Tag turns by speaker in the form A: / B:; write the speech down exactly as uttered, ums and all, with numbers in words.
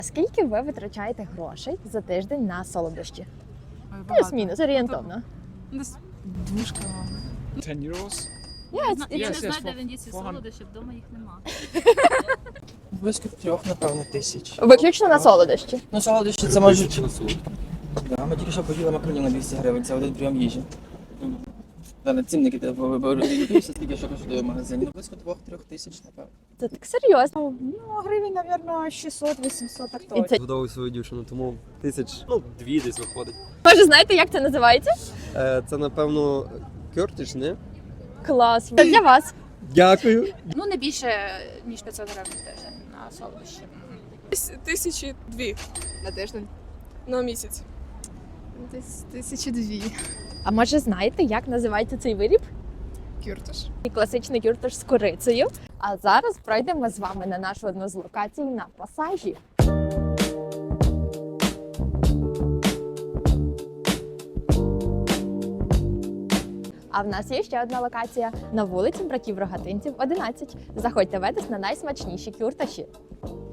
A: Скільки ви витрачаєте грошей за тиждень на солодощі?
B: Ой, багато.
A: Плюс-мінус, орієнтовно.
B: Десь двушка, мабуть.
C: ten euros.
A: Я,
D: Я, зна- я
C: Yes,
D: не
C: yes,
D: знаю,
C: for-
D: де він діться
C: for-
D: солодощі, вдома їх нема.
E: Близько трьох, напевно, тисяч.
A: Виключно на солодощі.
E: Ну, солодощі це можуть... Да, ми тільки що поїли макаронів на двісті гривень, це один прийом їжі. Далі цінники тебе виборююся, скільки що коштує в магазині. Ну, близько двох-трьох тисяч, напевно.
A: Це так серйозно.
F: Ну, гривень, мабуть, шістсот-вісімсот, так
A: І
F: точно.
A: це...
G: Годовую свою дівчину, тому тисяч, ну, дві десь виходить.
A: Може, знаєте, як це називається?
G: Е, це, напевно, кертиш, не?
A: Клас. Це для вас.
G: Дякую.
H: Ну, не більше, ніж п'ятсот гривень в тиждень на солодощі.
B: Тисячі дві.
H: На тиждень?
B: На місяць.
H: Десь тисячі дві.
A: А може, знаєте, як називається цей виріб?
B: Кюртиш.
A: І класичний кюртош з курицею. А зараз пройдемо з вами на нашу одну з локацій на пасажі. А в нас є ще одна локація на вулиці братів Рогатинців, одинадцять. Заходьте ведес на найсмачніші кюрташі.